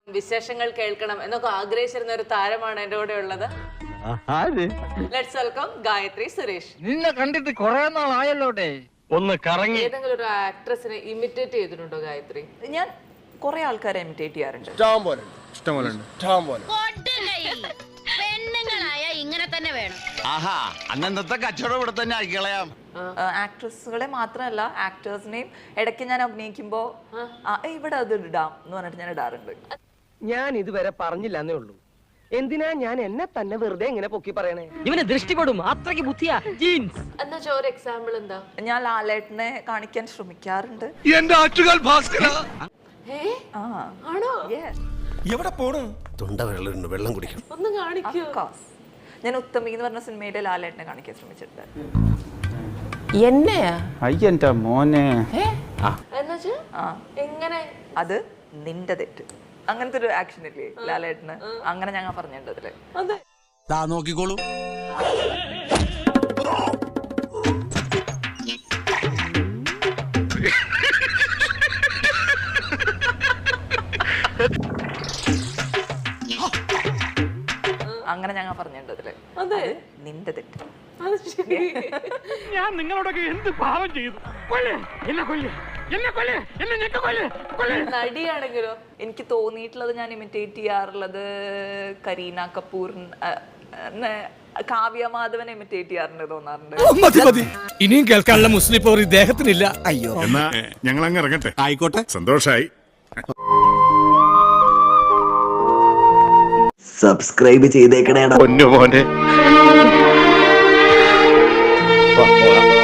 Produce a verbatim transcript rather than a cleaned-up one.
വിശേഷങ്ങൾ കേൾക്കണം എന്നൊക്കെ ആഗ്രഹിച്ചിരുന്ന ഒരു താരമാണ് എന്റെ കൂടെ ഉള്ളത്. Let's welcome Gayathri Suresh. നിന്നെ കണ്ടിട്ട് കുറെ നാളായല്ലോട്ടെ. ഒന്ന് കറങ്ങി. ഏതെങ്കിലും ഒരു ആക്ട്രസിനെ ഇമിറ്റേറ്റ് ചെയ്തിട്ടുണ്ടോ ഗായത്രി? ഞാൻ കുറെ ആൾക്കാരെ ഇമിറ്റേറ്റ് ചെയ്യാറുണ്ട്. പെണ്ണുങ്ങളായ ഇങ്ങനെ തന്നെ വേണം. ആഹാ, അന്നത്തെ കച്ചവടം ഇവിടെ തന്നെ ആയിക്കളയാം. ആക്ട്രസുകളെ മാത്രമല്ല ആക്ടേഴ്സിനെയും ഇടയ്ക്ക് ഞാൻ അഭിനയിക്കുമ്പോ ഇവിടെ അത് ഇടാം എന്ന് പറഞ്ഞിട്ട് ഞാൻ ഇടാറുണ്ട്. ഞാൻ ഇതുവരെ പറഞ്ഞില്ലെന്നേ ഉള്ളൂ. എന്തിനാ ഞാൻ എന്നെ തന്നെ വെറുതെ ഇങ്ങനെ പൊക്കി പറയണേ? ഇവന് ദൃഷ്ടിപ്പെടും, അത്രയ്ക്ക് ബുദ്ധിയാ. ജീൻസ് എന്നാ ഒരു എക്സാമ്പിൾ എന്താ? ഞാൻ ലാലേട്ടനെ കാണിക്കാൻ ശ്രമിക്കാറുണ്ട്. എന്റെ ആറ്റുകാൽ ഭാസ്കര. ആണോ? എവിടെ പോണു? തൊണ്ട വെള്ളം വെള്ളം കുടിക്കണം. ഒന്ന് കാണിക്കൂ. ഞാൻ ഉത്തമി എന്ന് പറഞ്ഞ സിനിമയിലെ ലാലേട്ടനെ കാണിക്കാൻ ശ്രമിച്ചിട്ടുണ്ട്. എന്നെയാ? അയ്യന്റെ മോനെ. എന്നുവെച്ചാ എങ്ങനെ? അത് നിന്റെ തെറ്റ്, അങ്ങനത്തെ ഒരു ആക്ഷൻ ഇല്ലേ ലാലേട്ടന്, അങ്ങനെ ഞങ്ങൾ പറഞ്ഞിട്ടുണ്ട് അതില്. അതെ, നോക്കിക്കോളൂ. അങ്ങനെ ഞങ്ങൾ പറഞ്ഞിട്ടുണ്ട് അതില്. അതെ, നിന്റെ തെറ്റ്. ഞാൻ നിങ്ങളോടൊക്കെ എന്ത് പാവം ചെയ്തു? എന്നെ കൊല്ലേ, എന്നെ കൊല്ലേ, എന്നെ ഞെക്ക് കൊല്ലേ, കൊല്ലേ. നടിയാണെങ്കിലോ? എനിക്ക് തോന്നിയിട്ടുള്ളത് ഞാൻ ഇമിറ്റേറ്റ് ചെയ്യാറുള്ളത് കരീന കപൂർ, കാവ്യ മാധവനെ ഇമിറ്റേറ്റ് ചെയ്യാറുണ്ട് തോന്നാറുണ്ട്. മതി മതി, ഇനിയും കേൾക്കാനുള്ള മുസ്ലിം പോർ ഇദ്ദേഹത്തിനില്ല. അയ്യോ, എന്നാ ഞങ്ങൾ അങ്ങ് ഇറങ്ങട്ടെ. ആയിക്കോട്ടെ, സന്തോഷായി. സബ്സ്ക്രൈബ് ചെയ്തേക്കണേടാ പൊന്നു മോനെ.